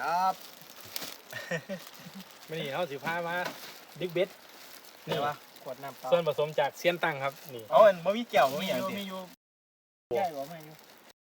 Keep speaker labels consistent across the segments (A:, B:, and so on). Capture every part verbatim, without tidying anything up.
A: ครับ
B: ไม่นี่เขาสิพามาดิกเบ็ดนี่วะ
A: ขวดน้ำเปล่า
B: ส่วนผสมจากเซียนตังครับนี่
C: เอาอันบ่มีแก้วบ่มีหยัง
A: มี
C: สิ
A: อยู่ใหญ่กว่าไม่อยู่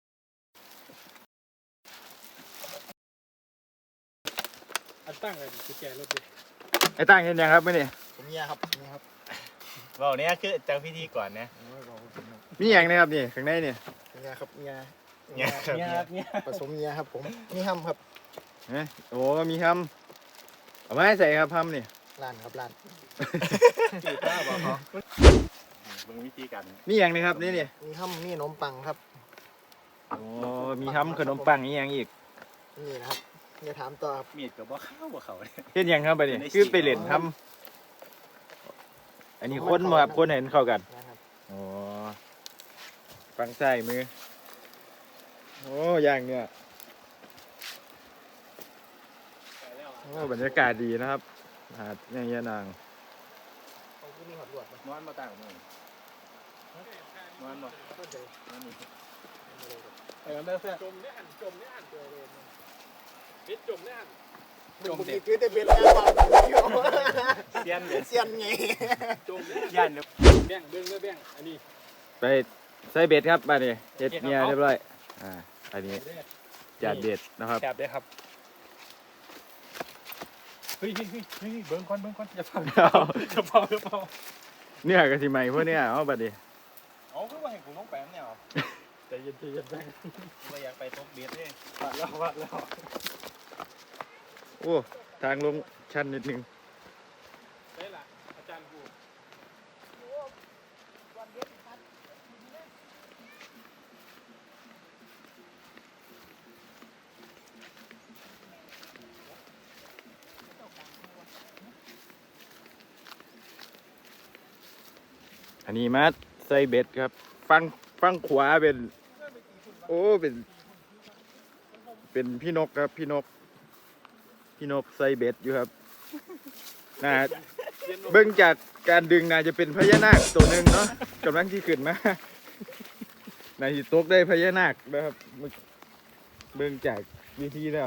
B: อันตั้งเลยกุญแจรถดิ
D: ไอ้ตั้งเห็นยังครับไม่นี่
A: ผมเนี่ยครับเนี่ยครับ
C: เว้าเนี่ยคือจังพิธีก่อนนะ
A: โอ้ยบอกว่าผมเนี่ย
D: มีอย่างนะครับนี่ข้างในนี่
A: เนี่ยครับเนี่ย
C: เนี่ยครับ
B: เนี่ย
C: เนี่ย
B: เนี่ย
A: ผสมเนี่ยครับผมนี่ห้ำครับ
D: เอ๊ะโอ้มีคำเอาไม้ใส่ครับคำนี่
A: ร้านครับร้าน
C: จีบป้าบอกเขาเบิ่งวิธีการ
D: มีอย่างนี้ครับนี่นี่
A: มีห้ำมีขนมปังครับ
D: โอ้มีคำขนมปังอีกอย่างอีก
A: นี่นะครับอย่าถามต่อครับ
C: มีดก็บ่เข้าบ่เข้าเลย
D: เห็นยังครับไปนี่คือไปเล่นทำอันนี้คนมาครับคนเห็นเข้ากัน
A: นะครับ
D: โอ้ฟังใส่มือโอ้ย่างเนี่ยโอ้บรรยากาศดีนะครับหาดอย่างเงี้ยนาง
A: เอาที่นี่หอดลวดมาน
C: อนบ่ต่างมื้อนอนบ่
A: เข้าใจ
C: นอนนี่
B: ไปกันเด้อเพื่อนจมเนี่ยหันจมเนี่ยหันเจอเลยเบ็ดจมเนี่ยหัน
A: จมเด็กคือแต่เบ็ดแล้วเปล่า
C: เซียนเด้อ
A: เซียนไง
B: จมเนี่ย
C: ย่านเด้อ
B: แบ่งเบิ้งเลยแบ่งอันนี้
D: ไปใส่เบ็ดครับมาดิเฮ็ดเนี่ยเรียบร้อยอ่าอันนี้จัดเบ็ดนะครับ
B: แคบได้ครับเฮ้ยเฮ้ยเฮ้ยเฮ้ยเบิ้งก่อนเบิ้งก่อนอย่าฟัง
D: เอา
B: อย่าเผาอย่าเผา
D: เนี่ยกะสิใหม่พวกเนี้ยเอาบัดดิ
C: เอาคือว่าให้กูลงไปนำเนี่ยเอา
B: ใจเย็นใจเย็นแบ่ง
C: บ่อยากไปตกเบ็ดเด้
B: วัดแล้ววัดแล้ว
D: โอ้ทางลงชันนิดนึง
B: ได้ละอาจารย์กู
D: อันนี้มาใส่เบ็ดครับ ฟังฟังขวาเป็น โอ้เป็น เป็นพี่นกครับพี่นก พี่นกใส่เบ็ดอยู่ครับน่าเบิ่งจากการดึงน่าจะเป็นพญานาคตัวหนึ่งเนาะกำลังที่ขึ้นมาน่าจะตกได้พญานาคนะครับเบิ่งจากวิธีแล้ว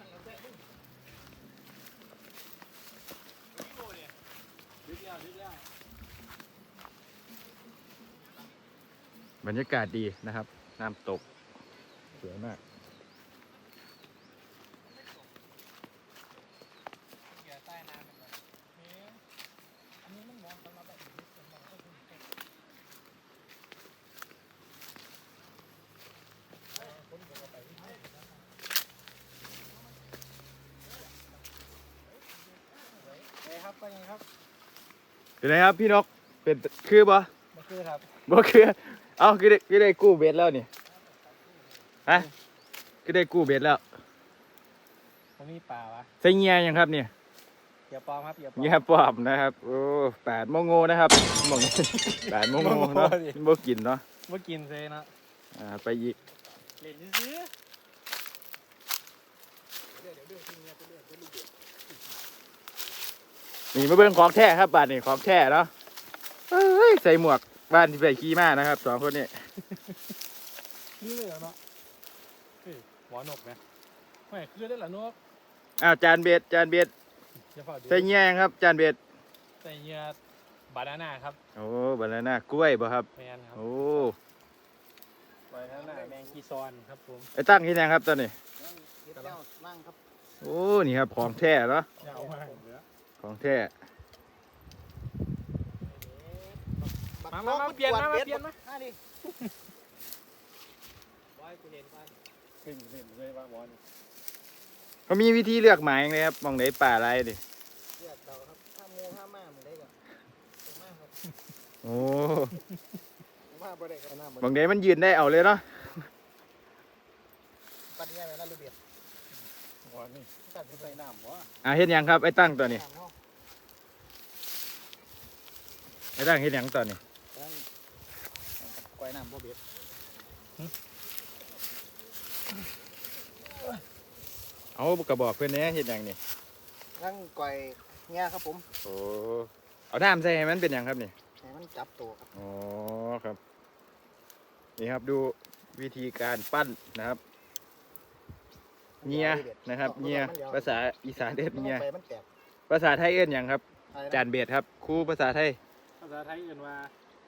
D: บรรยากาศดีนะครับน้ำตกสวยมาก
A: ครับไปไงครับ
D: เป็นไงครับพี่นกเป็นคือบ่
A: มาคือครับ
D: บ่คือเอ้าคือได้คือได้กู้เบ็ดแล้วนี่ฮะคือได้กู้เบ็ดแล้ว
B: ผมมีป่าวะ
D: ใส่เงียยังครับเนี่ย
B: อย่าปลอมครับอย่าปลอม
D: เงียปอบนะครับโอ้แปดโมงโง่นะครับโมงแปดโมงโง่เนาะบ่กินเนาะ
B: เมื่อกินเซนะ
D: อ่าไปอีก
B: เล่นซื้อ
D: นี่มาเบิ่งของแท้ครับบ้านนี่ของแท้เนาะเอ้ยใส่หมวกบ้านที่ไปขี่ม้านะครับสองคนนี้
B: นี่เลยเหรอเนาะเฮ้ยหัวนกไหมไม่คือได้เหรอนก
D: อ้าวจานเบ็ดจานเบ็ด
B: อย่าเผาดิ
D: ใส่เงียยังครับจานเบ็ด
B: ใส่เหยื่อบานาน่าครับ
D: โอ้บานาน่ากล้วยบ่ครับ
B: แมนครับ
D: โอ้
B: บานาน่าแมงกีซอนครับผม
D: ไอ้ตั้งที่ไหนครับตอนนี้
A: เก็บแล้วนั่งครับ
D: โอ้นี่ครับของแท้เนาะ
B: ยาวมากเหลือ
D: ของแท้
B: มามามาเปลี่ยนมามาเปลี่ยนมา
A: อ่ะดิ
B: บอยกูเห็นไปขึ้นเล่นเลยว่าบอล
D: เขามีวิธีเลือกหมายยังไงครับมองไหนป่าอะไรดิ
A: เลือกเราครับถ้าโมถ้ามามึงได้ก่อนมาครับ
D: โอ้
A: มาบ่ได้กันหน้าบ่
D: มองไหนมันยืนได้เอาเลยเนาะ
A: ปัดง่ายไปนั่นลูกเบียด
B: บอลนี่
A: ตัดไปใส่น้ำวะ
D: อ่าเฮ็ดหยังครับไอ้ตั้งตัวนี้
A: น้ำเนาะ
D: ไอ้ตั้งเฮ็ดหยังตัวนี้
A: นั่นกวยน้ำบ่เบียด
D: เอากระบอกเพื่อนเนี้ยเฮ็ดหยังนี่
A: นั่งกวยเงี้ยครับผม
D: โอ้เอาน้ำใส่ให้มันเป็นหยังครับนี่
A: ให้มันจับตัวครับ
D: อ๋อครับนี่ครับดูวิธีการปั้นนะครับ
A: ม
D: เงียนะครับเงียภาษาอีสานเอิ้น
A: มัน
D: เงีย
A: ไปมันแตก
D: ภาษาไทยเอิ้นหยังครับ
A: อะไรนะ
D: จานเบดครับครูภาษาไทย
B: ภาษาไทยเอื่นว่า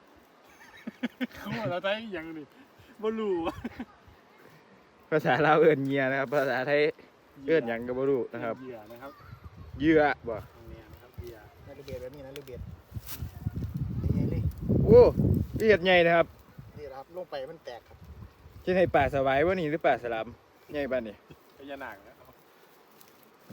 B: ภาษาไทยยังนี่บ่รู้
D: ภาษาลาวเอิ้นเงียนะครับ ภาษาไทยเอิ้นหยังก็บ่รู้นะครับ
B: เหยื่อนะครับ
D: เหยื่อบ่
B: ตรงนี้นะครับเหยื่อ
A: นั่นลูกเบียดแบบนี้นะลูกเบียดนี่ไงเลย
D: โอ้ละเอียดใหญ่นะครับ
A: นี่แหละครับลงไปมันแตกครับ
D: เช่นให้ป่าสวายบ่นี่หรือป่าสลามใหญ่ปานนี่
B: พญานาคนะ
D: โอ้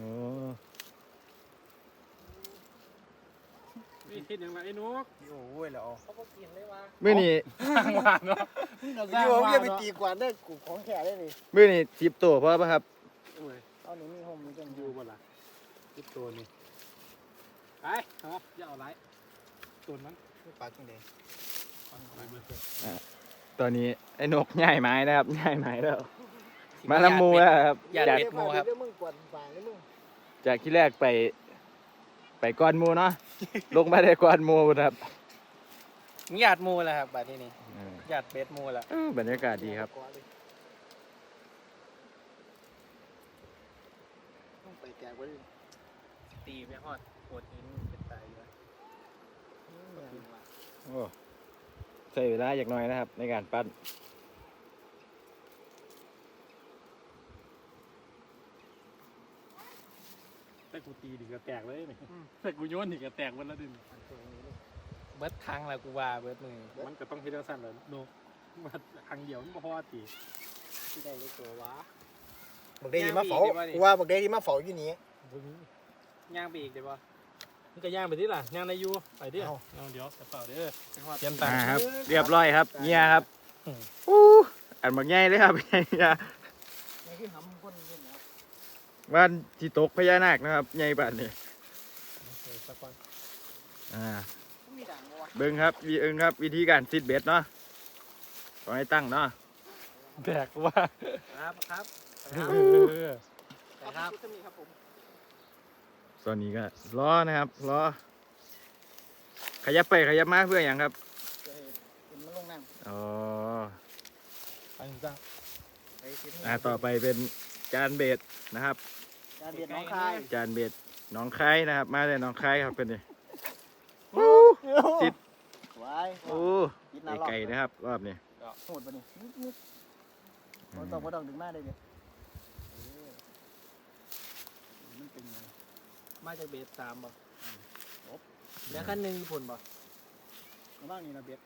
B: นี่คิดอย่างไรไอ้นุก
A: โอ้ยแล้วเอา
B: เขาก็กินเลยวะ
D: มื้อนี้
B: สร้างว่าเนาะ
A: พี่ผมจะไปตีกวาดได้กูของแข็ได้เลย
D: มื้อนี้สิบตัวพอป่ะครับ
B: โอ้ย
A: เอาหนูมีโฮมมีจัง
B: อ
A: อยู่ ยู่
B: บ่ล่ะคิดตัวนี้ไปเอาอย่าเอาไรตัวนั้น
A: ปากจังเลย
B: ไปเบิดเลย
D: ตอนนี้ไอ้นกย้ายไม้นะครับย้ายไม้แล้ว มาลำมูแล้วครับ
A: อย่า
D: จาก
A: เด็ดมูครับเดี๋ยวมึงกวาดปากเลยมึง
D: จากที่แรกไป ไปก้อนหมูเนาะ ลงมาได้ก้อนหมูครับ
A: หยาดมูแหละครับบาดที่นี่
D: เออ
A: หยาดเบ็ดมูแหละ
D: เออบรรยากาศดีครับ
A: ต้องไปแตกไว้เลย
B: ตีไปฮอดโคตรหินเป็นตายอยู่
D: โอ้ใช้เวลาอย่างน้อยนะครับ ในการปั้น
B: แต่กูตีดิก็แตกเลยนี่แต่กูโยนดิก็แตกวันละดิน
A: เบิดทางแล้วกูว่าเบิดมือ
B: มันก็ต้องเฮ็ดจังซั่นแหละโนมาทางเดียวมันบ่พอตี
A: ที่ได้เลยตัววะบักเดที่มาเฝ้ากูว่าบักเดที่มาเฝ้าอยู่นี่
B: บ่มี
A: ย่างไปอีกได้ป่ะ
B: มันก็ย่างไปที่ล่ะย่างในอยู่ไปดิ
A: เอา
B: เอาเดี๋ยวกระเป๋าเด้อเตรียมตัง
D: อ่า
B: ค์
D: ครับ เรียบร้อยครับเงียครับ
B: อืม
D: อู้อันบักใหญ่เลยครับ เงีย
A: นี่คือหำคนนี่นะครับ
D: บ้านที่ตกพญานาคนะครับใหญ่ปานนี้
B: เดี๋ยวสักก่อน
D: อ่า
A: มีด่างบ่วะ
D: เบิ้งครับวีเอิงครับ วิธีการซิดเบ็ดเนาะขอให้ตั้งเนาะ
B: แตกว่า
A: ครับครับ
B: เออ
A: ครับครับผม
D: ตอนนี้ก็ล้อนะครับล้อขยับไปขยับมาเพื่ออย่างครับ
A: จะให้เป็นมันลงน้ำ
D: อ๋อ
B: ไปจ้า
A: ไปทิศนี้
D: อ่าต่อไปเป็นจานเบ็ดนะครับ
A: การเบียดน้องคาย
D: จานเบ็ดหน้องคายนะครับ มาเลยหน้องคายครับเป็นนี่ ติด
A: ไว้
D: โอ้ไก่นะครับ รอบนี้
A: โหดปะนี่นิดนิดบ่ต้องบ่ต้องดึงมาได้เลยมันเป็นไงมาจากเบสสามบ่แล้วขั้นหนึ่งญี่ปุ่นบ่กำลังนี่นะเบส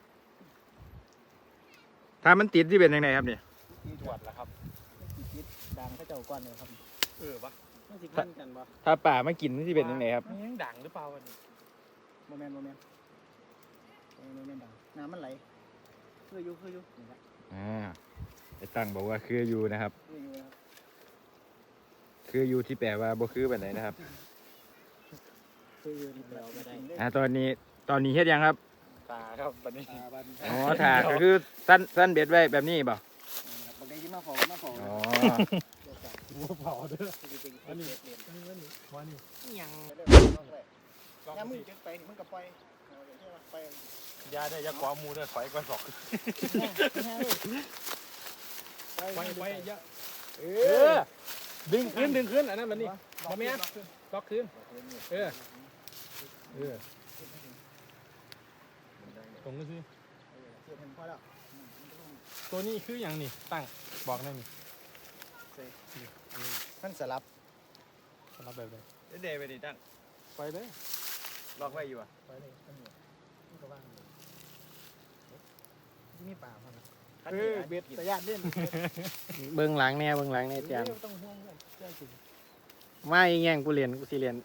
D: ถ้ามันติดที่เป็นยังไงครับเนี่ย
A: ที่ตรวจแล้วครับติดดังเขาเจ้าก้อนเลยครับ
B: เออปะ
A: มันสิพันกันบ่
D: ถ้าป่าไม่กินที่เป็นยังไงครับ
B: มันยังดังหรือเปล่าวันนี้
A: โมเมนต์โมเมนต์โมเมนต์ดังน้ำมันไหลคืออยู่คืออยู่นี่แหละ
D: อ่าไอ้ตั้งบอกว่าคืออยู่นะครับ
A: คืออยู่นะครับ
D: คืออยู่ที่แปลว่าบ่คือแบบไหนนะครับ
A: คืออยู่นี่เราไม่ได้
D: อ่าตอนนี้ตอนนี้เฮ็ดยังครับ
B: ตาครับวันนี้
A: อ่าบัน
D: อ๋อถากก็คือสั้นสั้นเบ็ดไว้แบบนี้เปล่า
A: ครับบางทีที่มาฝอมาฝอ
D: อ๋อ
B: หัวเผาเด้อ
A: อันนี้
B: อันนี้วันนี้วันนี้
A: ยัง
B: ลอง
A: ยังมึง
B: สิ
A: จะไปมึงก็ไปไป
B: ยาได้ยาขวามูเด้อถอยก่อนสอกไปไปยา
A: เอ
B: เอ
A: อ
B: อดึงขึ้นดึงขึ้นอันนั้นมันนี่บ่แม่นล็อกขึ้นเออเออตรงนี้สิ
A: เสียเห็นพอแล้ว
B: ตัวนี้คืออย่างนี่ตั้งบอกหนั่นนี่
A: มันสลับ
B: สำหรับแบบไหน
D: เดย์ไปดิตั้ง
B: ไปเลย
D: ล็อกไว้อยู่อ่ะ
B: ไปเลยอันนี้นี่ก็ว่างเลย
A: ที่นี่ป่าพอนะ
B: เออเบ็ด
A: แต่ญาติเล่น
E: เบื้องหลังเนี่ยเบื้องหลังเนี่ยแจม
A: ต้องห่วงเพื่อนเจ้าจริง
E: มาอีกอย่างกูเรียนกูสิเรียน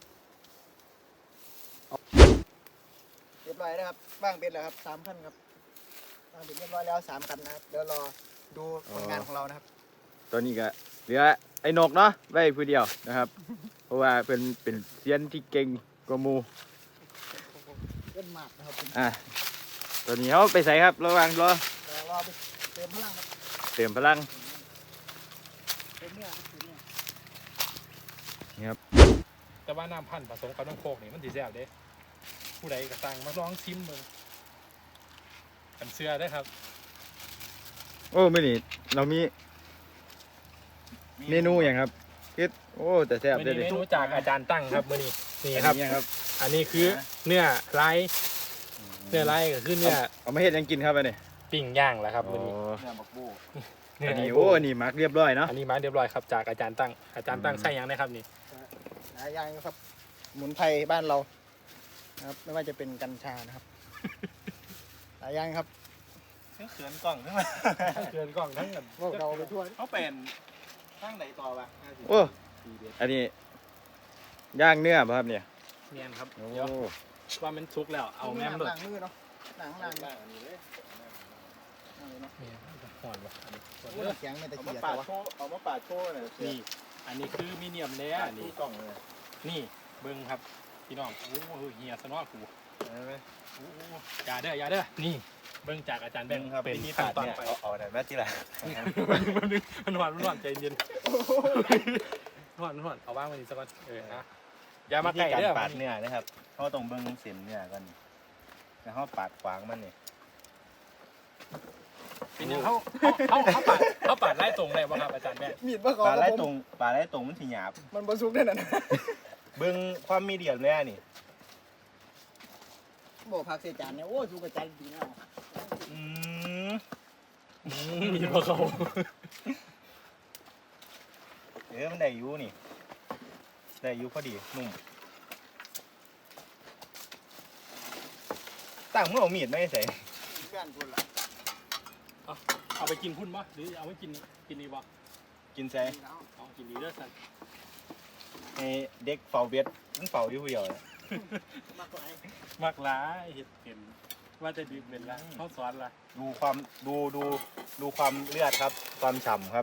A: เรียบร้อยแล้วครับว่างเป็นแล้วครับสามพันครับว่างเป็นเรียบร้อยแล้วสามคันนะครับเดี๋ยวรอดูผลงานของเรานะครับ
D: ตอนนี้ก็เหลือไอ้นกเนาะไว้ผู้เดียวนะครับ เพราะว่าเป็นเป็นเซียนที่เก่งกว่าหมู
A: เล่นหมากนะครับผม
D: อ่ะตอนนี้เขาไปใส่ครับระหว่างรอ
A: เดี๋ยวรอไปเติมพลังครับ
D: เติมพลัง
A: เติมเนื้อครับเติมเนื้อ
D: นี่ครับ
B: แต่ว่าน้ำพันธุ์ผสมกับน้ำโคกนี่มันดีแซ่บเด้ผู้ใดก็สั่งมาลองชิมมึงกันเชื่อได้ครับ
D: โอ้ไม่นี่เรามีเมนูอย่างครับคิดโอ้แต่แซ่บ
B: มื้อ
D: เลย
B: นี้
D: ดิ
B: เมนูจากอาจารย์ตั้งครับมื้อนี้นี่
D: อัน
B: ครับ
D: นี้ครับ
B: อันนี้คือเนื้อไร้เนื้อไร้ก็คือเนื้อ
D: เอามาเฮ็ดหยังกินครับอันนี้
B: ปิ้งย่างแหละครับมื้อนี้
A: เนี่ยบักบู
B: เนื้อ
D: อันนี้
B: ไ
D: โอ้อันนี้มักเรียบร้อยเนาะ
B: อันนี้มาเรียบร้อยครับจากอาจารย์ตั้งอาจารย์ตั้ง
D: อืม
B: ใส่หยังนะครับนี่
A: หลายอย่างนะครับสมุนไพรบ้านเรานะครับไม่ว่าจะเป็นกัญชานะครับ หลายอย่างครับ
C: เขินกล่องใช่ไหม
B: เกินกล้องทั้งกัน
A: พวกเราไปทั่ว
C: เขาเป็นตั้งไหนต่อวะ
D: โอ้อันนี้ย่างเนื้อป่ะครับเนี่ย
B: เนียนครับ
D: โอ้
B: เดี๋ยวว่ามันสุกแล้วเอาแม่ม
A: ห
B: ด้วย
A: ลังมือเนาะหนังหลัง
C: บ้างอันนี้เลย
A: เนาะ
B: นี่หอนวะอันนี้หอน
A: โอ้
B: เด้อ
A: เสียงไม่ตะ
C: เอา
A: เกี
C: มาย
A: บ
C: ปา
A: แต่
C: ด
A: ว่า
C: โชว์เอามาปาดโชว์หน่อย
B: นี่อันนี้คือมีเนียมเนื้อ
C: ปาด
B: อัน
C: ทุ
B: นี้
C: กกล่องเลย
B: นี่เบิ้งครับพี่น้องโอ้โหเฮียสนอกู
C: ใช่ไหม
B: โอ้โหอย่าเด้ออย่าเด้อนี่เบิ้งจากอาจารย์แบงค์
C: ครับ
B: เป็น
C: ที่
B: ขั้น
C: ปาด
B: ตอน
C: เนี่ย
B: ไป
C: เอาเอาไหนแม่ที่ละ
B: มันนึงมันหวานมันหวานใจเย็นหวานหวานเอาว่างไว้นี่สักก่อนเออนะอย่ามา
C: วิ
B: ใกล้
C: ธีการ
B: เด้อ
C: ปาดเนื้อนะครับเขาต้องเบิ่งเส้นเนื้อกันแล้วเขาปาดขวางมันนี่
B: เป็นยังเขาเขาเขาเขาปาดเขาปาดไล่ตรงเลยบ่ครับอาจารย์แบงค์
A: มีดบ่เขา
C: ปาดไล่
A: ครับผม
C: ตรงปาดไล่ตรงมันถี่หยาบ
A: มันบรรซุกได้นั่นนะ
C: เบิ่งความมีเดียมเลยนี่
A: บอกผักเสียจานเนี่ยโอ้ยสูกระจายดีนะ
C: อืม
B: มีบ่เขา
C: เออมันได้อยู่นี่ได้อยู่พอดีนุ่มตั้งเมื่อเอามีดไม่ใส่
A: เพื่อนคุณล่ะ
B: เอาไปกินพุ่นบ่หรือเอาไว้กินกินนี่บ่
C: กินใส่
B: เอากินนี่เด้อสัน
C: ให้เด็กเฝ้าเบ็ดมันเฝ้าอยู่ผู้เดียวนะ
A: มากกว่าไอ้
B: มักหลายเห็ดเห็นว่าจะดื่มเป็นละเขาสอนละ
C: ดูความดูดูดูความเลือดครับ ความฉ่ำครับ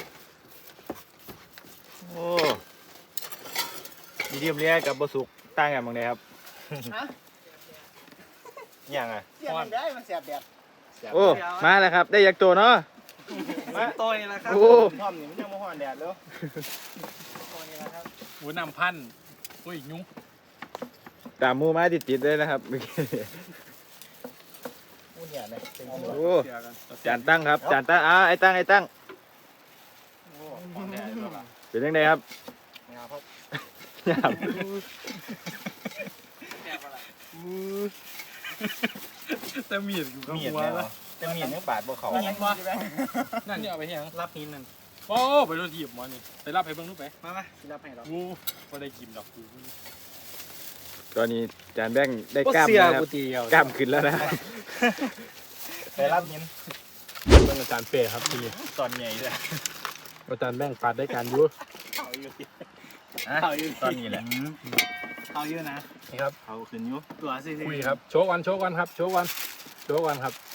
D: โอ้มีเดียมเรียกับบะสุกต่างกันบางไดครับ
A: ฮะ
C: อย่างอ่ะ
A: เสียมันได้มันเสียบแดด
D: โอ้มาแล้วครับได้ยักษ์ตัวเนาะ
C: มาตัวนี้ละครับ
D: โอ้
C: ท่อมนี่มันยังมาห่อนแดดแล้ว
A: ตัวนี้นะครับ
B: หูน้ำพันอุ้ยยุ้ง
D: ตามหมูมาติดๆเลยนะครับเมื่อกี้
A: อู้เนี่ยเลยเป็น
D: โอ้จานตั้งครับจานตั้งอ้าไอ้ตั้งไอ้ตั้ง
B: ของแท้ด้วยล่ะ
D: เป็นยังไงครับ
A: งาครับ
D: ครับ
B: แต่มีดอยู่กับ
C: มีด
B: หัว
C: แน่
B: ละ
C: จะมีดยังบาดบ่เขา
A: มีดวะ
B: นั่นนี่เอาไปเฮียง
A: รับหินนั่น
B: โอ้ไปโดนถีบหมอนี่ไปรับให้เบิ่งลูกไป
A: มามาสิรับให้เรา
B: กูบ่ได้กินดอกกู
D: ตอนนี้จานแบงค์ได้กล้ามแล้วนะครับ
B: ตีเอา
D: กล้ามขึ้นแล้วนะครับ
C: ไปรับหิน
B: เบิ่งอาจารย์เป้ครับทีนี้
C: ตอนใหญ่เลย
B: อาจารย์แบ่งปาดได้การอยู่
C: เขาอยู่ที่
A: เอาอยู่
C: ตอนนี้แหละ
A: เอาอยู่นะ
B: นี่ครับ
C: เขาขึ้นอยู่
A: ตัวสิ
B: คุยครับโชว์วันโชว์วันครับโชว์วันโชว์วันครับ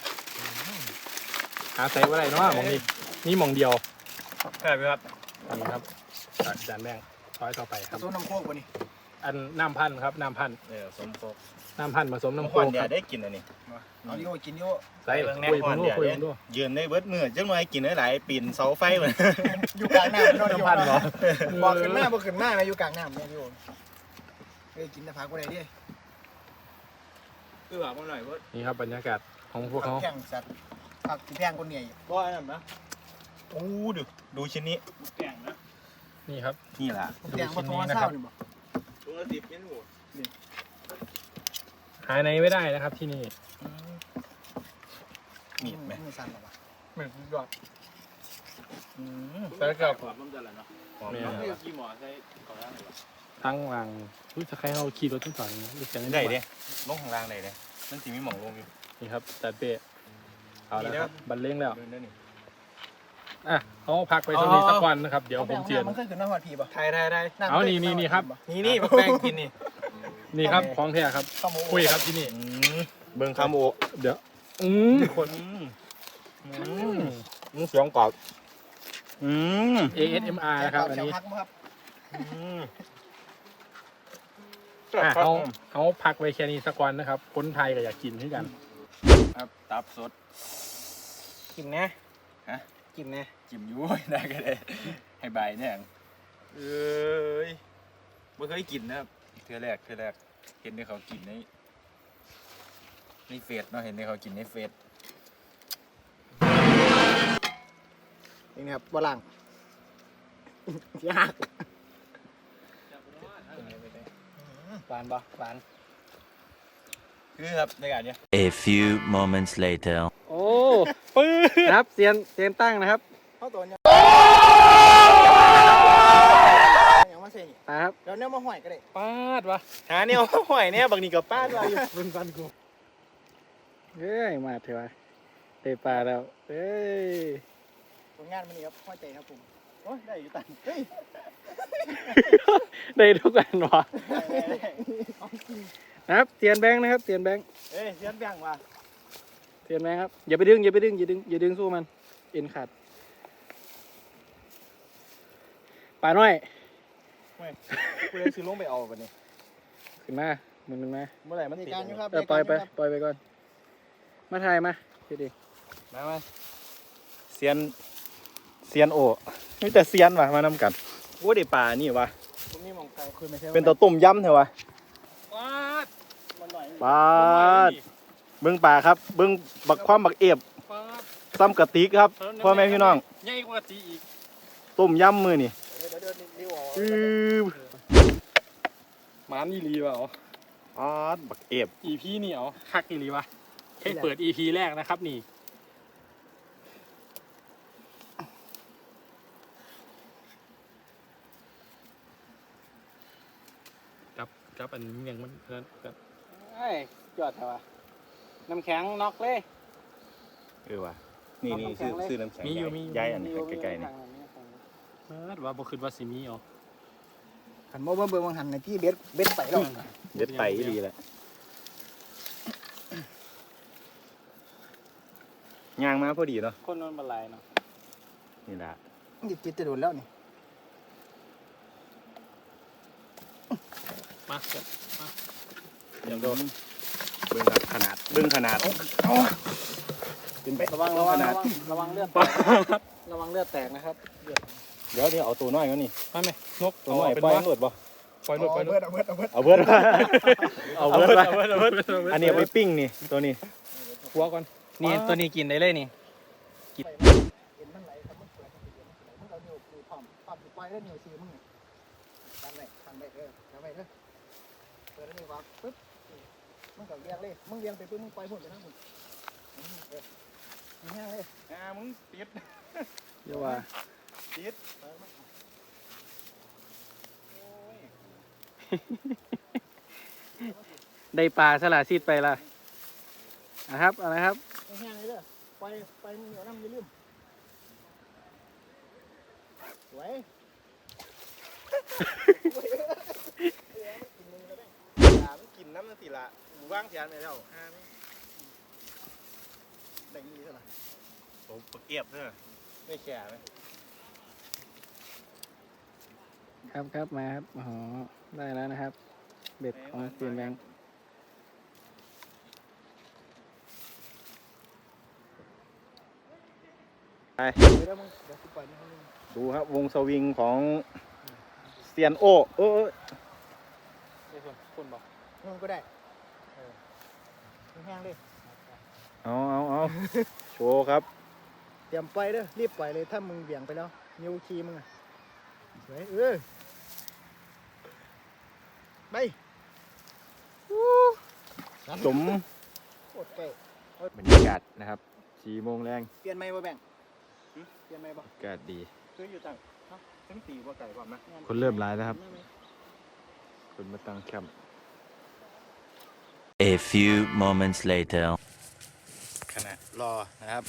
B: หาใส่ไว้ได้เนาะหมองนี้นี่หมองเดียว
C: ใช่ไหมครับ
B: นี่ครับจากอาจารย์แบ่งช้อยต่อไปครับ
A: โซนน้ำโคกวะนี่
B: อันน้ำพันธุ์ครับน้ำพันธุ์
C: เออสมโคก
B: น้ำพันธุ์ผสม
C: น้ำ
B: น้ำ
C: ค
B: โค้
C: วัน
B: ก
C: เดี
B: ค
C: ย
B: รับ
C: ได้กินอันนี้
A: เอาอยู่กินอยู่
B: ใส่
C: เบิ่งแน่
B: คุย
C: ควั
B: มึ
C: น
B: ง
C: เดี
B: ดู
C: ยว
B: คุย
C: เด้
B: มึงดู
C: ยืนได้เบิดมือจังหน่อยกินได้หลายปีนเสาไฟเหมือน
A: อยู่กลางน้ำ
B: น้ำพันธุ์เหรอ
A: บอกขึ้นมาบอกขึ้นมานะอยู่กลางน้ำเนี่ยอยู่เอ้ยกินแต่ผักกูได้ดิ
C: คือว่าบ่หน่อยบ่
B: นี่ครับบรรยากาศของพวกเขา
A: แข่งสัตว์ผักที่แพงคนเหนื่อย
C: บ่อันนั้นนะโอ้ดูดูชิ้นนี้
A: แข่งนะ
B: นี่ครับ
C: นี่ล่ะ
A: แข่งมาทอเศร้านี่บอก
C: ถุงละสิบเมนู
B: หายในไม่ได้นะครับที่นี่
C: มีดไหม
A: มือสั่นหรอวะ
B: เหมือนยอด
C: อืม
B: แล้วก็
C: หอมน้ำจันทร์เนาะหอม
B: แม่
C: เนาะ
B: กี่หมอใช้ก่อนหน้านี้ทั้งวางรู้จะใครเอาขี่รถทุกสอนรู้จัก
C: ได้เด้ลงข้างล่างได้เด้มันสิมีหม่องลงอยู่
B: นี่ครับจัดเป้เอาแล้วครับบรรเลงแล้ว
C: เดินได้นี่
B: อ่ะเขาพักไปตรงนี้สักวันนะครับ เดี๋ยวผมเจียน
A: มันเคยขึ้นน้ำหอดผีป่ะ
C: ไทยไทยไทย
B: เอานี่นี่นี่ครับ
C: นี่นี่แป้งกินนี่
B: นี่ครับของแท้ครับ
A: ข้าวหมู
B: คุยครับที่นี่
C: อืมเบิ่งคาโม
B: เดี๋ยวอืม
C: คน
B: อืม
C: มึงเสียงกรอบอืม
B: เอ เอส เอ็ม อาร์ นะครับอันนี้
A: พักมั้งครับ
C: อืม
B: อ่ะเขาเขาพักไว้แค่นี้สักวันนะครับ คนไทยก็อยากกินที่กัน
C: ครับตับสด
A: กินนะ
C: ฮะ
A: กินนะ
C: จิ้มยุ้ยได้ก็ได้ให้ใบเนี่ยเอ้ยไม่เคยกินนะครับเทื่อแรกเทื่อแรกเห็นในเขากินในในเฟซเนาะเห็นในเขากินในเฟซ
A: นี่นะครับบะลังยาก
E: หวานบ่หวาน
C: คือครับในการเนี้ย
F: A few moments later.
E: โอ้ปื้อครับเซียนเซียนตั้งนะครับ
A: เข้าตัวเนี่ยอย่างว่าเซ่
E: มาครับ
A: แล้วเนี่ยมาห่อยก็ได้
B: ปาดวะ
D: หาเนี่ยห่วยเนี่ยบางนี่กับป้าเราอยู่
B: เป็นฟันกู
E: เอ้ยมาเถอะวะเตะปลาแล้วเอ้ย
A: ผลงานมันนี่ครับห้อยใจครับผมโอ้ยได้อยู่ตันเฮ้ย
E: ได้ทุกอันวะ
A: ได้ได้ได้เอาจริง
E: นะครับเซียนแบงค์นะครับเซียนแบงค์
A: เอ้ยเสียนแบ่งว่ะ
E: เซียนแบงค์ครับอย่าไปดึงอย่าไปดึงอย่าดึงอย่าดึงสู้มันเอ็นขาดปลาน้อย
D: กูเลยซื้อลงไปเอาวันนี้
E: ขึ้นมามึงขึ้นมา
D: เมื่อไหร่มัน
A: ใน
D: ติด
A: การอยู่ครับ
E: เออปล่อยไปปล่อยไปก่อนมาถ่ายมาทีดี
D: มามาเซียนเซียนโอมีแต่เซียนว่ะมานำกันโอ้ได้ปลานี่ว่ะ
A: ผมนี่มองไกลคุยไม่ใช่
D: เป็นตัวต้มยำเถอะวะ
B: ปาด
A: มันหน่อย
D: ปลาเบิ้งปลาครับเบิ้งบักความบักเอฟ
B: ปาด
D: ซ้ำกะติกครับพ่อแม่พี่น้อง
B: ใหญ่กว่าจีอีก
D: ต้มยำมือนี่
A: เดี๋ยวเดี๋ยวเดี๋ยวนิ้วออก
D: อือ
B: หมันอีหลีวะอ๋อ
D: อ๋อบักเอฟ
B: อีพีนี่เอาคักอีหลีวะให้เปิดอีพีแรกนะครับนี่จับจับอันนี้ยังมันนั่นกัน
E: ไอ้จอดเถอะวะน้ำแข็งน็อกเลย
D: เออว่ะนี่นี่ซื้อซื้อน้ำแข็งย้ายอันนี้ใกล้ๆนี่
B: ปาดว่าบ่คิดว่าสิมีอ๋อ
A: หันมาเบิ่งเบิ่งหันในที่เบ็ดเบ็ดไปแล้ว
D: เด็ดไปดีแหละย่างมาพอดีเนาะ
E: คนนอนบลายเนาะ
D: นี่แหละ
A: จิตจิตจะโดนแล้วนี่
B: มาเกิดมา
D: เดี๋ยวโดนเบิ้งครับขนาดเบิ้งขนาดเป็นไป
E: ระวังระวัง
D: ขนา
E: ระ
D: ด
E: วังระวังเลือดแตกระวังเลือดแตกนะครับ
D: เดี๋ยวเดี๋ยวเอาตัวน้อยก่อนนี่
B: มาไหมนก
D: ตัวน้อย
B: เป็น
D: ปล่อย
B: ว่า
D: มันหลุดบ่
B: ปล่อยนกปล่อยน
A: เบิ
B: ก
A: ดเอาเบิดเอาเบิด
D: เอาเบิร์ดเอาเบิร์ด
B: เอาเบิดเอาเบิดเอาเบิด
D: อันนี้เอาไปปิ้งนี่ตัวนี้
B: หัวก่อน
E: นี่ตัวนี้กินได้เลยนี่
A: เห็นมันไหลครับมันเปิดมันเปิดมันเอานิ้วปูพร้อมพร้อมสิปล่อยแล้วนิ้วซีมึงนี่ทำไว้ทำไว้เออทำไว้เด้อเปิดแล้วนิ้ววางปึ๊บมึงก็เลี้ยงเลยมึงเลี้ยงไปปึ๊บมึงปล่อยพุ่นไปทางพุ่นเออมึงแห้งเลย
D: อ่ามึงติด
E: เดี๋ยวว่า
D: ติด
E: ได้ปลาสละซีดไปละนะครับอะไรครับ
A: มึงแห้งเลยเด้อปล่อยปล่อยมึงเดี๋ยวน้ำอย่าลืมสวย
D: อ่ามันกินน้ำมันสิละหมูว่างเสียนไปแล้วอ่ามัน
A: ได้ยี่เท่าไหร่
D: โอ้ปลาเก็บเนอะไม่แก่ไหม
E: ครับครับมาครับอ๋อได้แล้วนะครับ เบ็ดของเซียนแบงค์
A: เดี๋ยวมึงเดี๋ยวกูปล่อยมึงให้มึง
D: ดูครับวงสวิงของเซียนโอเออเออ
E: ได้ส่วนคุณบอก
A: มึงก็ได้เออมึงแห้งเลย
D: เอาเอาเอาโชว์ครับ
A: เตรียมปล่อยเด้อรีบปล่อยเลยถ้ามึงเบี่ยงไปแล้วนิ้วคีมึงอ่ะสวยเออไป
D: สม
A: โคตรใกล้
D: บรรยากาศนะครับสี่โมงแรง
A: เปลี่ยนไหมบ่แบ่งเปลี่ยนไหมบ่
D: อากาศดี
A: ซื้ออยู่จังเนาะทั้งตีบ่ไก่บ่นะ
D: คนเริ่มร้ายแล้วครับ คนมาตั้งแคมป์
F: A few moments later.
D: ขณะรอนะครับ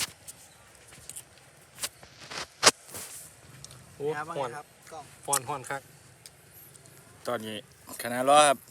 B: โอ้
A: ครับว่า
B: ห่อน
A: ไงครับกล้อง
B: ห่อนห่อนคัก
C: ตอนนี้คณะรอครับ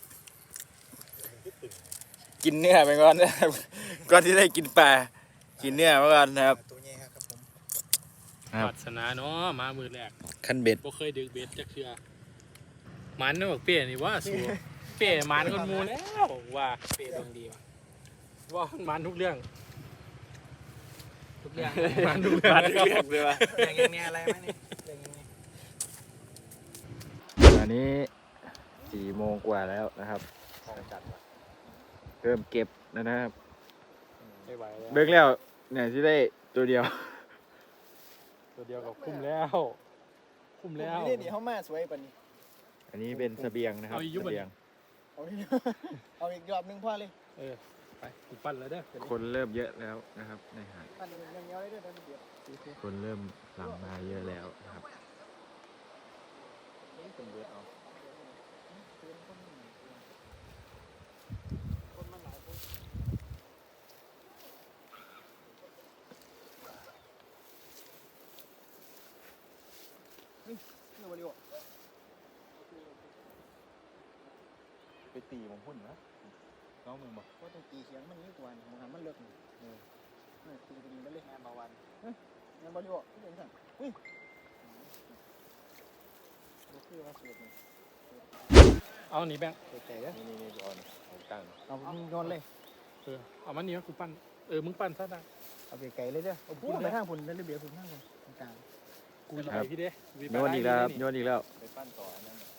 C: กินเนื้อไปก่อนนะครับ ก่อนที่ได้กินปลากินเนื้อไปก่อนนะครับ
A: ตัวใหญ่ครับผม
D: ครับ
B: ปรารถนาเนาะมามือแรก
C: ขั้นเบ็ด
B: บ่เคยดึกเบ็ดจักเทื่อหมันเนาะเป้นี่ว่าสูเป้หมันคนหมูแล้วว่าเป้ดวงดีว่ะว่ามันหมันทุกเรื่อง
E: ทุกอย่าง
B: หมันทุกเรื่อง
C: มาเรียกเลยว่า
E: อย่างอย่างเนี้ยอะไรไหมนี่อย่างอย่างนี้
D: ตอนนี้สี่โมงกว่าแล้วนะครับเริ่มเก็บแล้วนะครับ
B: ไม่ไหวแล้ว
D: เบิกแล้วเนี่ยที่ได้ตัวเดียว
B: ตัวเดียวกับคุ้มแล้วคุ้มแล้ว
A: นี่นี่เขามาสวยปะนี่
D: อันนี้เป็นเสบียงนะครับ
B: เอาอีกยุบ
D: เส
B: อัน
D: บียง
A: เอาอีกเอาอีกรอบหนึงพอเลย
B: เออไปกูปั้นแล้วเด้อเดี๋ยวนี้
D: คนเริ่มเยอะแล้วนะครับในหาด
A: อันนี้ยังเงี้ยวเลยเด้อเดี๋ยวเดี๋ยวเดี๋ยว
D: คนเริ่มหลั่งมาเยอะแล้วนะครับเป็นเบิดเอา
A: คนมันหลายคนเฮ้ยนี่วันนี้วะ
C: ไปตีผมพุ่นนะน้องมึงบอก
A: ว่าต้องตีเสียงมันนี่กว่านี่มันมันเลิกนี่เออเออตีกันมันเลยงานมาวันเฮ้ยงานบอลอยู่ที่เด่นสั่งอุ้ยลูกคือว่าเสียดนี่
B: เอาหนีแบงค์
A: เสียใจเด้อ
C: นี่นี่นี่อ่อนผมตั้ง
A: เอามึงโยนเลย
B: เออเอามันนี่กูปั้นเออมึงปั้นซะได้
A: เอาไปไกลเลยเด้อเอาพุ่งไปทางพุ่นนั่นเลยเบียร์พุ่นทางพุ่นตรงกลาง
B: กูจะไปพี่เด้
D: โยนอีกแล้วครับโยนอีกแล้ว
C: ไปปั้นต่ออันนั้นน่ะ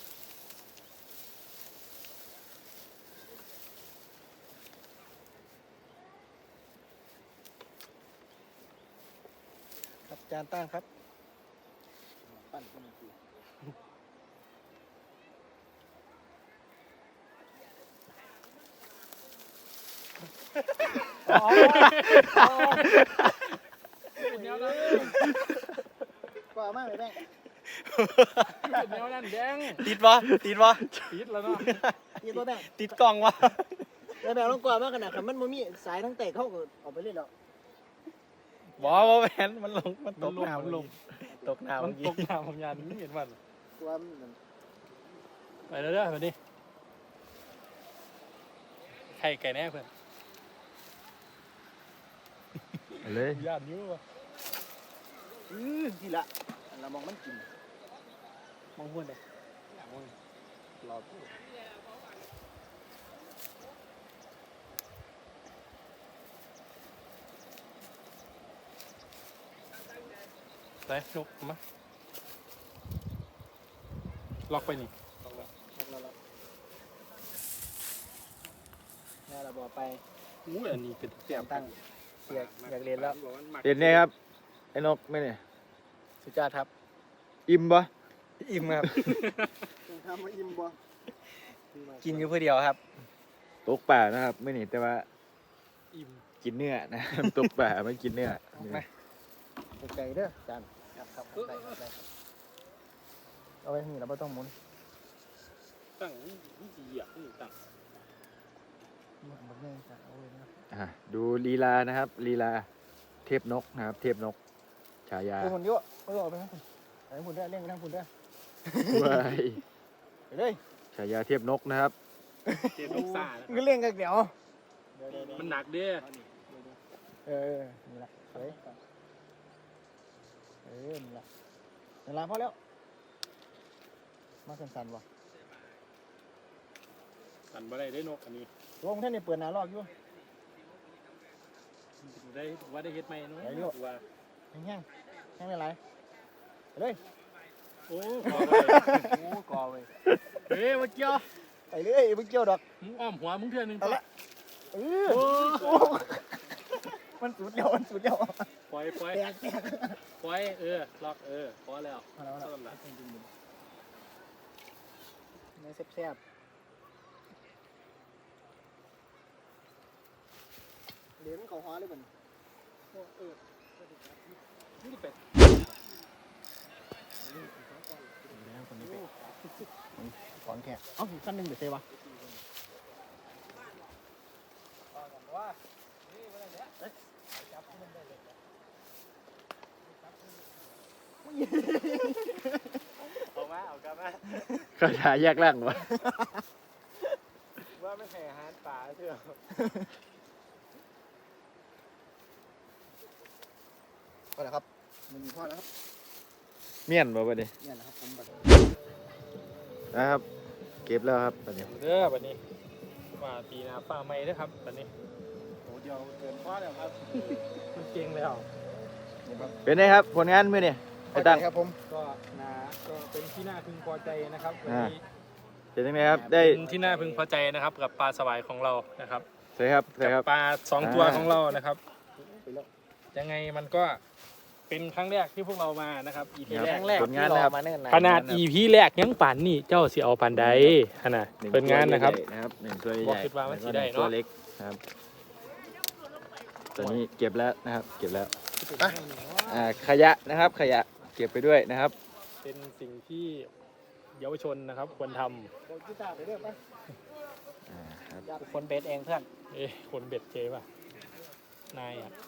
A: ครับจานตั้งครับปั้นคนนึงคืออ๋ออ๋อ
B: เป็นแนวนั้น
A: กว่ามากเลยแม่
B: เป็นแนวนั้นแบงค์
E: ติดวะติดวะ
B: ปิดแล้วเนาะ
A: ยี่ตัวแม่
E: ติดกล้องวะ
A: แล้วแม่ต้องกว่ามากขนาดคันมันบ่มีสายทั้งเตะเข้าก็ออกไปเล่นแล้ว
E: บอว่าแมนมันลงมันต
B: มัน
E: ก
B: ลง
E: น้ำ
B: มันลง
E: ตกน้ำ
B: มั
E: เมื่
B: น
E: อกี้
B: ตกน้ำของยานนี่เห็นมัน
A: กว่ามัน
B: ไปแล้วเด้อแบบนี้ไข่ไก่แน่เพื่อน
D: เอาเลย
B: ยานนิ้วว่ะ
A: อือทีละเรามองมันกิน
B: มองพุ่นเลยรอไปนกมาล็อกไปนี่
A: แล้วเราแม่เราบอกไป
B: อู้อันนี้เป็น
A: เตรียมตั้งเสียอยากเรียนแล้ว
D: เห็นไหมครับไอ้นกไหมเนี่ย
A: สุจาครับ
D: อิ่มปะ
E: อิ่มครับ
A: ทำมาอิ่มบ่
E: กินอยู่เพื่อเดียวครับ
D: ตกป่านะครับไม่นี่แต่ว่า
B: อิ่ม
D: กินเนื้อนะ ตกป่าไม่กินเนื้อ
A: ไก่เด้อจานครับครับได้ครับได้เอาไว้นี่เราไม่ต้องหมุน
B: ตั้งนี่นี่ดีอ่ะนี่ตั้ง
A: หมุนง่ายจ้ะเอาไว้นะ
D: อ่ะดูลีลานะครับลีลาเทพนกนะครับ เทพนก ฉายา
A: เอาหมุนเยอะเอาออกไปทางคุณไปทางคุณได้เร่งไปทางคุณได้
D: ว้าย
A: ไปเลย
D: ฉายาเทพนกนะครับ
B: เจ็บลูกซ่า
A: ก็เร่งกันเดี๋ยว
B: มันหนักเด้อ
A: เออนี่แหละเฮ้ยเออนี่แหละเวลาพอแล้วมาสั่นๆวะ
B: สั่นบ่ได้ได้นกอันนี้
A: ลงท่านนี่เปิดหน้าลอกอยู่
B: ได้ว่าได้เฮ็ดไหมเนาะ
A: ได้อยู่
B: ว่า
A: แห้งๆแห้งไม่ไรไปเลย
B: โอ้กอไป
A: โอ้กอเว้ย
B: เฮ้ยมาเกี่ยว
A: ไปเลยมึงเกี่ยวดอก
B: มึงอ้อมหัวมึงเทื่อนึง
A: เอาละ เออ
B: โอ้
A: โอ้มันสุดเดียวมันสุดเดียว
B: ปล่อยปล่อย
A: แตกแตก
B: ปล่อยเออล็อกเออพอแล้ว
A: มาแล้วมา
B: ต้
A: แล้ว
B: นละ
A: เนื้อแซ่บๆเดี๋ยวมันเขาฮ้อเลยมัน
B: เออนี่เป็ด
A: ก่อนแค่เอ้าสั้นหนึ่งเดี๋ยวเซวะเอามาเอากลับมา
D: คาถาแยกร่างวะ
A: ว่าไม่แห่อาหารป่าเถอะก็แล้วครับมันมีพ่อแล้วครับ
D: เมี่ยนบ่บัดนี้
A: เนี่ยนะครับผมบัด
D: นะครับ เก็บแล้วครับบัดนี้
B: เด้อบัดนี้ว่าปีหน้าป้าใหม่เด้อครับบัดนี้โอ้เดียวเกินพอแล้วครับมันเก่งแล้ว
D: เป็นไงครับผลงานมื้อนี้ไอ้ตั้ง
A: ครับผม
B: ก็นาก็เป็นที่น่าพึงพอใจนะครับวันนี้
D: เป็นยังไงครับได้
B: เป็นที่น่าพึงพอใจนะครับกับปลาสวายของเรานะครับ
D: ใช่ครับใช่ค
B: กั
D: รั
B: บบ ปลาสองตัว
D: อ่า
B: ของเรานะครับยังไงมันก็เป็นครั้งแรกที่พวกเรามานะครับ อี พี
D: ครับ
B: แรก
E: ครั้งแรก
D: ผลงาน
E: ที่ร
D: นะครับ
E: อมาเนิ่นนาน
B: ขนาด อี พี แรกยังป่านนี่เจ้าสิเอาปานใดขนาด
D: หนึ่ง
B: เป็นงานนะครับ
D: ตัวใหญ่ๆนะครับหนึ่งตัวให
B: บอก
D: ญ่
B: คิดว่ามัน
D: แล้วก็
B: สิได้
D: หนึ่งตัว
B: เนาะ
D: เล็กนะครับตัวนี้เก็บแล้วนะครับ เก็บแล้วอ่าขยะนะครับ ขยะเก็บไปด้วยนะครับ
B: เป็นสิ่งที่เยาวชนนะครับควรท
A: โดนกีตาร์ไปเรื่อยไป
D: อ่าครับ
E: คนเบสเองเพื่อน
B: ำเอ๊ะคนเบ็ดเจป่ะนายอ่ะ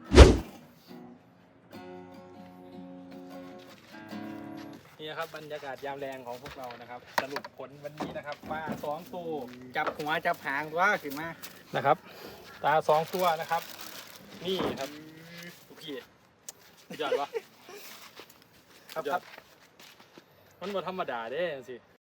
B: นี่นะครับบรรยากาศยามแรงของพวกเรานะครับ สรุปผลวันนี้นะครับปลาสองตัว
E: จับหัวจับหางว่าขึ้นมา
B: นะครับปลาสองตัวนะครับ นี่ครับทุกพี่สุดยอดวะ
A: ครับ
B: สุดย
A: ค
B: อ
A: รั
B: ด
A: บ
B: มันบ่ธรรมดาเด้สิ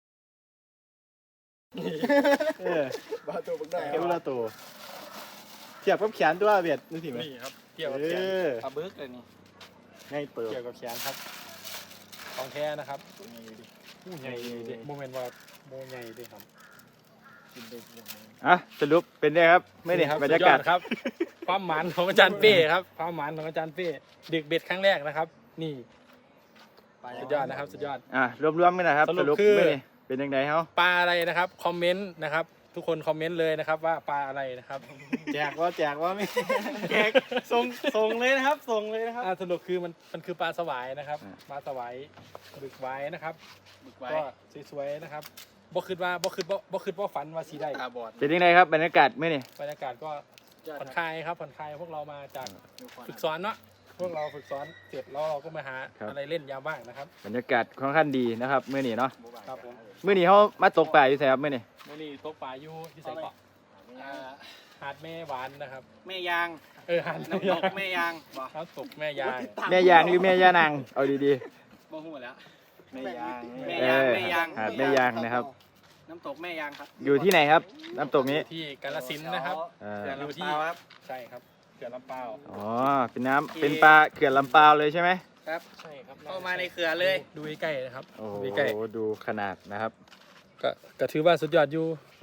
D: เออบ
A: าตัวบึกได้
D: เก็บละตัวเทียบกับแขนตัวเบียดนึกถึงไหม
B: นี่ครับเกี่ยว
D: เอ
B: กับแขน
D: อ
E: ปลาบึกเลยนี่
D: ง่ายเติบ
B: เกี่ยวกับแขนครับของแท้นะครับผู้ใหญ่ดิโมเมนต์ว่าโมใหญ่ดิครับ
D: อ่ะสรุปเป็นไงครับไม่เนี่ยบรรยากาศ
B: สุดอดครับ ความหมานของอาจารย์เป้ครับความหมานของอาจารย์เป้ดึกเบ็ดครั้งแรกนะครับ นี่สุดยอดนะครับสุดยอด
D: อ่ะรวมๆกันนะครับ
B: ส
D: ส
B: รุ
D: รุ
B: ป
D: ป
B: คือ
D: ไม่เนี่ยเป็นยังไงเขา
B: ปลาอะไรนะครับคอมเมนต์นะครับ ทุกคนคอมเมนต์เลยนะครับว่าปลาอะไรนะครับ
E: แจกว่าแจกว่าไม่ แจกส่งส่งเลยนะครับส่งเลยนะครับ
B: อ่าสรุปคือมันมันคือปลาสวายนะครับปลาสวายบึกไว้นะครับ
E: บึกไว้
B: ก็สวยๆนะครับบ่คิดว่าบ่คิดว่าบ่คิดว่าฝันว่าสีได้
E: ตาบอด
D: เป็นยังไงครับบรรยากาศไม่เนี่ย
B: บรรยากาศก็ผ่อนคลายครับผ่อนคลายพวกเรามาจากฝึกสอนเนาะพวกเราฝึกสอนเสร็จแล้วเราก็มาหาอะไรเล่นยามว่างนะครับ
D: บรรยากาศค่อนข้างดีนะครับเมื่อนี้เนาะ
B: ครับผม
D: เมื่อนี้เขามาตกปลาอยู่แถวเมื่อนี้
B: มื่อนี้ตกปลาอยู่ที่ใส่เกาะ
E: อ่า
B: หาดแม่หวานนะครับ
E: แม่ยาง
B: เออหาด
E: น้ำตกแม่ยางบ่
B: น้ำตกแม่ยาง
D: แม่ยางหรือแม่ย่านางเอาดี
E: บ่หูแล้ว
D: ๆแม่ยาง
E: แม่
D: เอย
E: าง
D: อ
E: แม่ยาง
D: หาดแม่ยางนะครับ
E: น้ำตกแม่ยางครับ
D: อยู่ที่ไหนครับน้ำตกนี้
B: ที่กาฬสินธุ์นะครับ
D: อ่า
E: เขื่อน
B: อยู่
E: ลำ
B: ที่
E: ปาวครับ
B: ใช่ครับเขื่อนลำเปาว
D: อ๋อเป็นน้ำเป็นปลาเขื่อนลำปาวเลยใช่ไหม
E: ครับ
B: ใช่ครับ
E: เข้ามาในเขื่อนเลย
B: ดูใกล้ๆนะครับ
D: โอ้โห
B: ดูใกล้
D: ดูขนาดนะครับ
B: ๆก็ก็ถือว่าสุดยอดอยู่